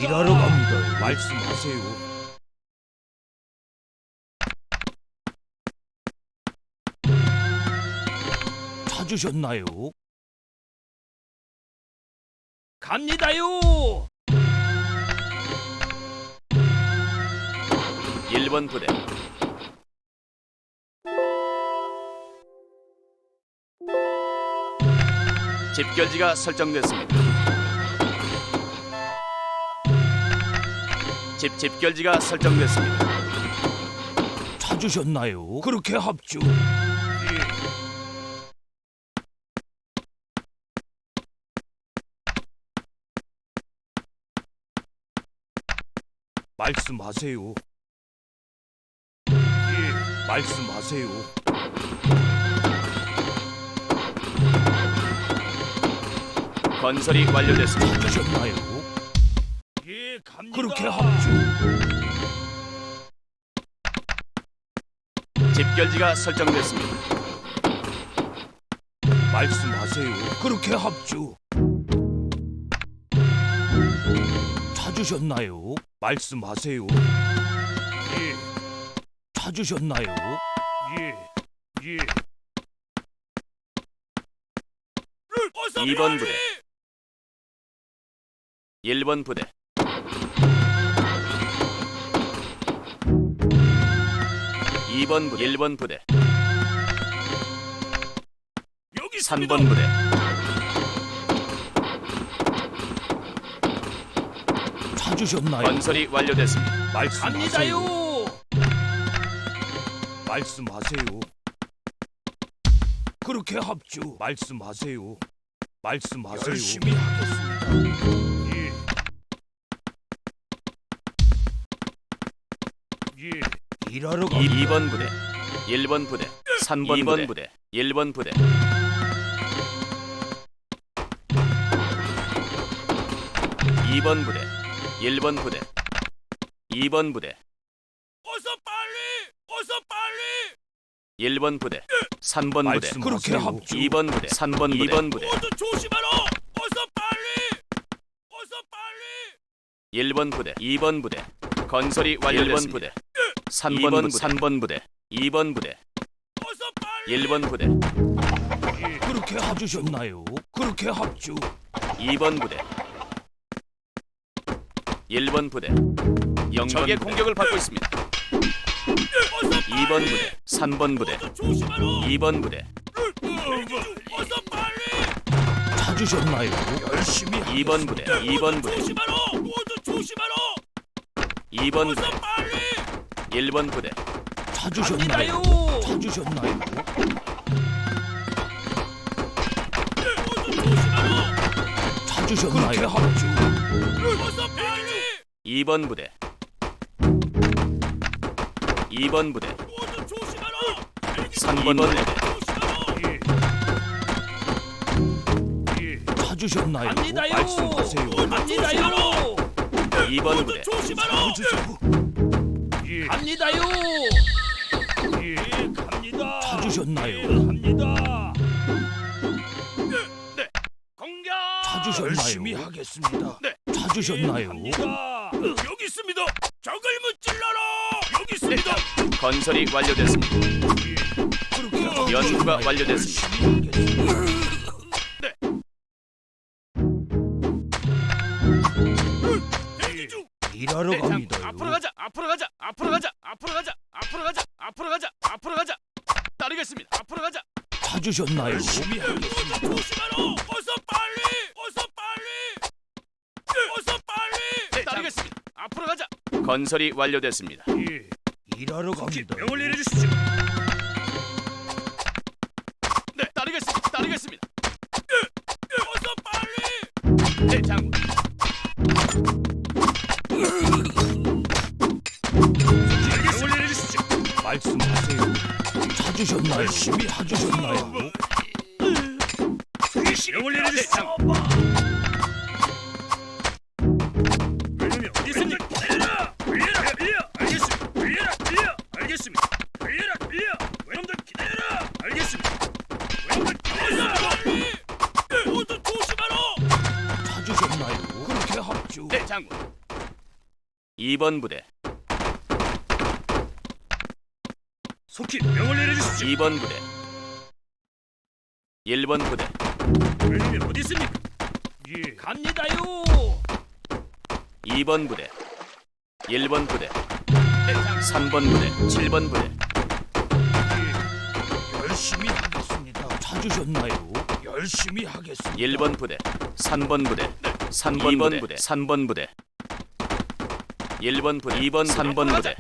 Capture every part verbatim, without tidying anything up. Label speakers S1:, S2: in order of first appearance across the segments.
S1: 일하러 갑니다. 말씀하세요. 찾으셨나요? 갑니다요.
S2: 일 번 부대 집결지가 설정됐습니다. 집 집결지가 설정됐습니다.
S1: 찾으셨나요? 그렇게 합주. 말씀하세요. 예, 말씀하세요.
S2: 건설이 완료됐습니다.
S1: 찾으셨나요? 예, 갑니다. 그렇게 합주.
S2: 집결지가 설정됐습니다.
S1: 말씀하세요. 그렇게 합주. 찾으셨나요? 말씀하세요. 예. 찾으셨나요? 예. 예.
S2: 이 번 부대 일 번 부대 이 번 부대 일 번 부대 삼 번 부대
S1: 찾으셨나요?
S2: 건설이 완료됐습니다.
S1: 말씀하세요. 말씀하세요. 그렇게 합주. 말씀하세요. 말씀하세요. 열심히 하겠습니다. 예. 예. 일하러 갑니다.
S2: 이 번 부대 일 번 부대 삼 번 부대, 부대 일 번 부대 이 번 부대 일 번 부대 이 번 부대
S1: 어서 빨리! 어서 빨리!
S2: 일 번 부대 삼 번 부대
S1: 그렇게 합주.
S2: 이 번 부대 삼 번 부대 이 번 부대
S1: 모두 조심하라! 어서 빨리! 어서 빨리!
S2: 일 번 부대 이 번 부대 건설이 완료됐습니다. 일 번 부대 삼 번 부대 삼 번 부대 이 번 부대
S1: 어서 빨리!
S2: 일 번 부대
S1: 예. 그렇게 합주셨나요? 그렇게 합주.
S2: 이 번 부대 일 번 부대 영 적의 공격을 받고 있습니다. 이 번 부대 삼 번 부대 이 번 부대
S1: 어서 빨리! 찾으셨나요? 열심히
S2: 이 번 부대 이 번 부대
S1: 조심하라! 모두 조심하라!
S2: 이 번 부대
S1: 어서 빨리!
S2: 일 번 부대
S1: 찾으셨나요? 찾으셨나요? 모두 조심하라! 찾으셨나요? 그렇게 합주. 어서 빨리!
S2: 이 번 부대 이 번 부대
S1: 모두 조심하라!
S2: 삼 번 부대
S1: 예. 찾으셨나요?
S3: 갑니다요.
S1: 말씀하세요.
S3: 갑니다요.
S2: 이 번 부대
S1: 조심하라! 예.
S3: 갑니다요.
S1: 예.
S3: 갑니다.
S1: 찾으셨나요?
S3: 갑니다.
S2: 공격
S1: 찾으셨나요? 열심히 하겠습니다.
S2: 네.
S1: 찾으셨나요?
S3: 갑니다.
S1: 여기 있습니다. 적을 무찔러라. 여기 있습니다.
S2: 건설이 완료됐습니다.
S1: 그렇게
S2: 연구가
S1: 하겠습니다.
S2: 완료됐습니다.
S1: 열심히 하겠습니다.
S2: 네.
S1: 대기 중. 일하러
S2: 네, 장,
S1: 갑니다.
S2: 앞으로 가자 앞으로 가자 앞으로 가자 앞으로 가자 앞으로 가자 앞으로 가자 앞으로 가자 따르겠습니다. 앞으로 가자
S1: 찾으셨나요? 열심히 하겠습니다.
S3: 조심하라. 어서 빨리. 어서 빨리. 어서 빨리.
S2: 네, 따르겠습니다. 앞으로 가자 건설이 완료됐습니다.
S1: 예. 일하러 갑니다.
S3: 명을 내려주십시오.
S2: 네 따르겠습니다. 따르겠습니다.
S3: 어서 빨리.
S2: 네 장군
S3: 명을 내려주십시오.
S1: 말씀하세요. 찾으셨나요? 열심히 하셨나요?
S3: 명을 내려주십시오. 명령 어디 있습니까? 달려라. 달려라. 달려. 알겠습니다. 달려라. 달려. 알겠습니다. 달려라. 달려. 외놈들 기다려라. 알겠습니다. 외놈들 기다려라.
S1: 모두 조심하라. 찾으셨나요? 그렇게 합주.
S2: 네 장군 이 번 부대,
S3: 속히 명을 내려주십시오.
S2: 이 번 부대, 일 번 부대,
S3: 왜냐면 어디 있습니까?
S1: 예. 갑니다요.
S2: 이 번 부대, 일 번 부대, 삼 번 부대, 칠 번 부대,
S1: 예. 열심히 하겠습니다. 찾으셨나요? 열심히 하겠습니다.
S2: 일 번 부대, 삼 번 부대, 삼 번 부대, 삼 번 부대, 일 번 부대, 이 번, 삼 번 부대,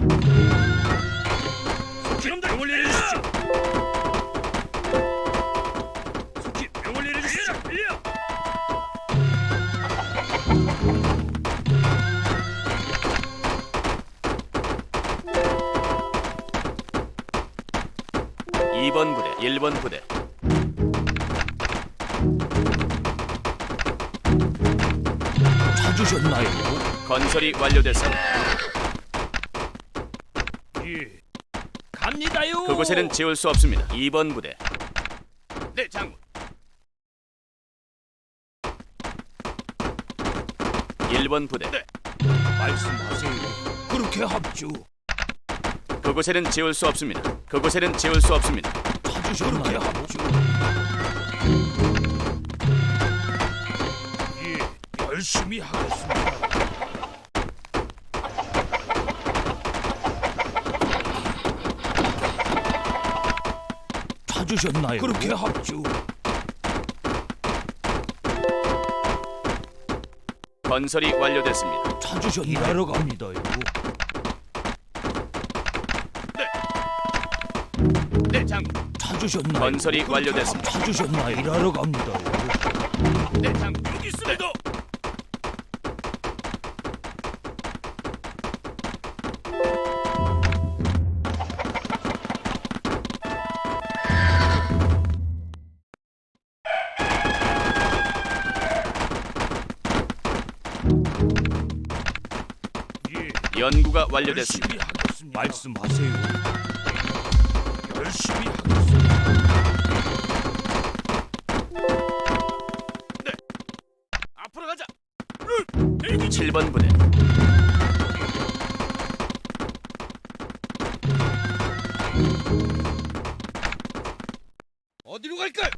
S3: 속히 명을 내려주십시오. 속히 명을 내려주십시오. 일려.
S2: 이 번 부대, 일 번 부대,
S1: 찾으셨나요?
S2: 건설이 완료됐습니다.
S1: 예. 갑니다요.
S2: 그곳에는 지울 수 없습니다. 이 번 부대, 네 장군. 일 번 부대, 네.
S1: 말씀하세요. 그렇게 합주.
S2: 그곳에는 지울 수 없습니다. 그곳에는 지울 수 없습니다.
S1: 찾으셨나요? 합주. 예. 열심히 하겠습니다. 찾으셨나요? 그렇게 합주.
S2: 건설이 완료됐습니다.
S1: 찾으셨나요? 일하러 갑니다요.
S2: 네 장군.
S1: 찾으셨나요?
S2: 건설이
S1: 그렇게
S2: 완료됐습니다.
S1: 합- 찾으셨나요? 일하러 갑니다요.
S2: 네 장군.
S3: 여기 있습니다.
S1: 예.
S2: 연구가 완료됐습니다.
S1: 열심히 하겠습니다. 말씀하세요. 열심히 하겠습니다.
S2: 앞으로 가자. 칠 번 부대,
S1: 어디로 갈까요?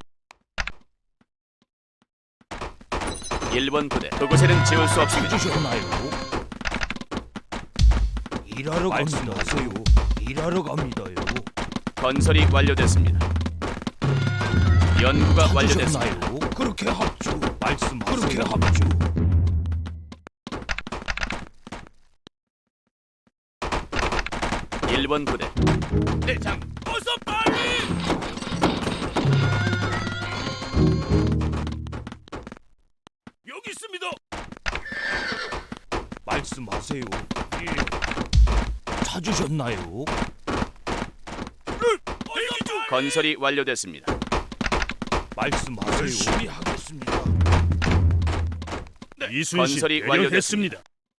S2: 일 번 부대. 그곳에는 지울 수 없습니다.
S1: 찾으셨나요? 일하러 말씀하세요. 일하러 갑니다요.
S2: 건설이 완료됐습니다. 연구가 완료됐습니다.
S1: 찾으셨나요? 그렇게 합주. 말씀하세요. 그렇게 합주.
S2: 일 번 부대, 네 장군.
S3: 어서 빨리. 여기 있습니다.
S1: 말씀하세요. 예. 찾으셨나요?
S3: 대기 중.
S2: 건설이 완료됐습니다.
S1: 말씀하세요. 열심히 하겠습니다.
S3: 이순신
S2: 건설이
S3: 완료됐습니다.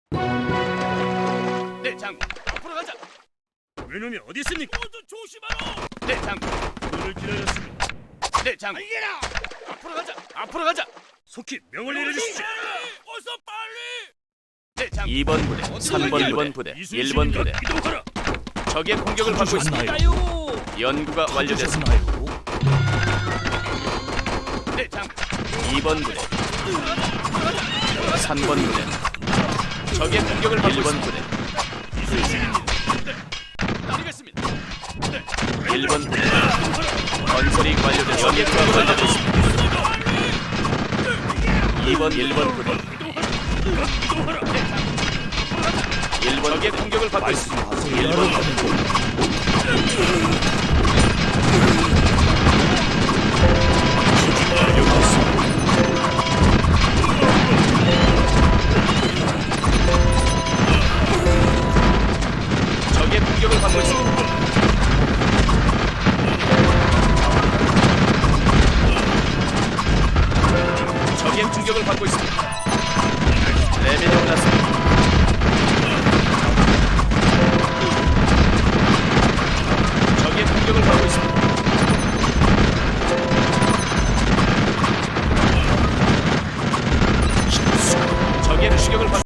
S2: 네 장군. 앞으로 가자.
S3: 왜놈이 어디 있습니까?
S1: 모두 조심하라.
S2: 네 장군.
S3: 오늘 기다렸습니다.
S2: 네 장군.
S1: 알게라.
S2: 앞으로 가자. 앞으로 가자.
S3: 속히 명을 내려주십시오.
S1: 어서 빨리.
S2: 네 장군. 이 번 부대, 삼 번, 일 번 부대, 일 번 부대.
S3: 이동하라.
S2: 적의 공격을 받고 있습니다.
S1: 찾으셨나요?
S2: 연구가 완료됐습니다.
S1: 찾으셨나요?
S2: 네 장군. 이 번 부대, 삼 번 부대. 적의 공격을 받고 일 번 부대. 따르겠습니다. 일 번 부대. 건설이 완료됐습니다. 적의 공격을 받고 있습니다. 이 번, 일 번 부대. 일 번 적의 공격을 받고 있습니다. 일 번 적의 공격을 받고 있습니다. 적의 공격을 받고 있습니다. 레벨이 올랐습니다. 적의 공격을 받고 있습니다. 적의 공격을 받고